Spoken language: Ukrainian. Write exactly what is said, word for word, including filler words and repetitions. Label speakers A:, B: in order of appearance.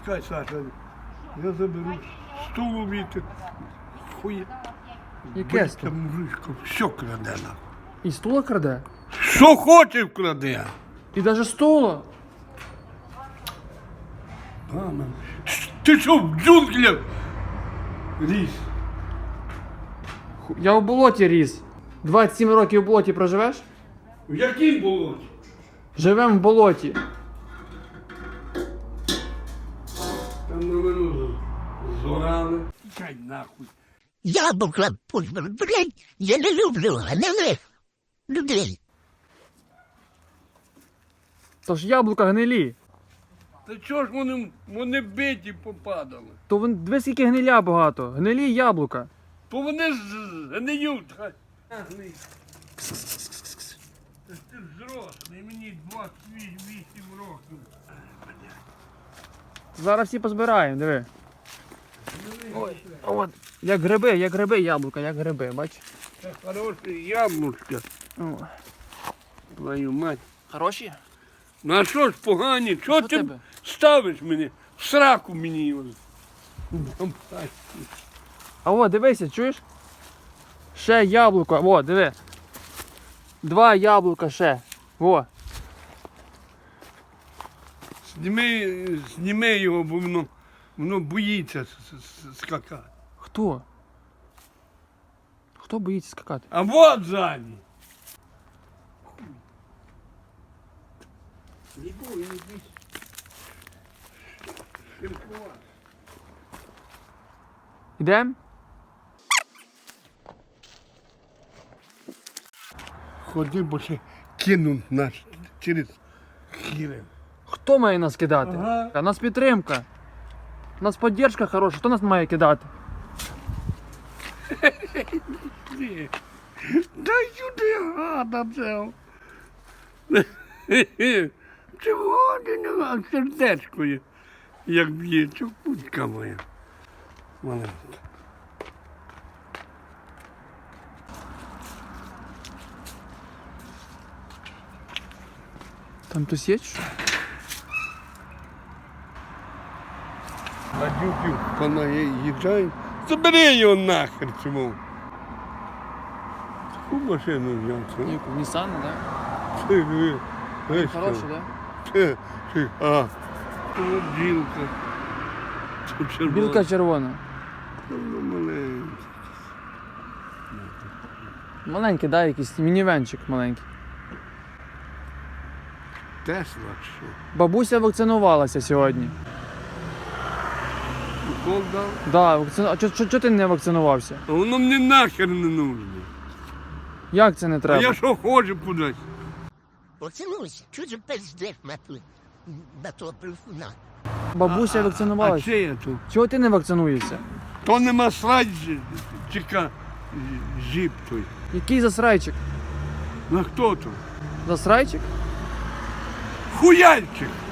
A: Чекай, Саша, я заберу стулу вітер. Хує.
B: Яке
A: Та
B: сто?
A: мужичко, все краде нахуй.
B: І стула краде?
A: Що хоче вкраде.
B: І навіть стула?
A: Мама, ти що в джунглях ріс?
B: Ху- Я в болоті ріс. двадцять сім років в болоті проживеш?
A: В яким болоті?
B: Живем в болоті.
A: Там новину зорали. Чай нахуй.
C: Яблука, блядь, я не люблю, а не ви. Людей.
B: Тож яблука гнилі.
A: Та чого ж вони, вони биті попадали?
B: То вон, диви скільки гниля багато. Гнилі яблука.
A: То вони ж гниють. хай. Гни. Та ти зрослий, мені двадцять вісім років.
B: Зараз всі позбираємо, диви. Ой, от. Як гриби, як гриби яблука, як гриби, бач.
A: Це хороше яблучко,
B: О.
A: твою мать.
B: Хороші?
A: Ну а що ж погані? Чого
B: Що
A: ти
B: тебе?
A: ставиш мене? В сраку мені його.
B: А о, дивися, чуєш? Ще яблуко, о, диви. Два яблука ще. О.
A: Зніми, зніми його, бо воно, воно боїться с- с- скакати.
B: Хто? Хто боїться скакати?
A: А вот ззаді. Не бой, не бійся. Ширкувати.
B: Ідем?
A: Ходи, бо ще кинуть нас через хіре.
B: Хто має нас кидати?
A: Ага.
B: А нас підтримка. У нас підтримка хороша, хто нас має кидати?
A: Ти. Дай сюди гада цього. Чого ти не гад? Сердечко є, як б'є, чупутка моя. Маленька.
B: Там хтось є? чи що?
A: Гадюків понаїжджають. Забери його нахер чому. Таку машину взяв.
B: Яку, Нісан, так?
A: Ти, ви, ви що?
B: Хороший, так?
A: Ти, ти, а. Це білка. Це червона.
B: Білка червона.
A: Ну, маленька.
B: Маленький, да, якийсь мінівенчик маленький.
A: Тесла чи що?
B: Бабуся вакцинувалася сьогодні.
A: Укол дав?
B: Да, вакцину... А чого ти не вакцинувався?
A: А воно мені нахер не нужно.
B: Як це не
A: А
B: треба?
A: я що ходжу кудись?
C: Поцілуйся, чого ж пиздиш на ту, на того плюсуна?
B: Бабуся
A: А
B: вакцинувалася.
A: чи я тут?
B: Чого ти не вакцинуєшся?
A: То нема срать, чека, жіп той.
B: Який засрайчик?
A: На хто то?
B: Засрайчик?
A: Хуяльчик.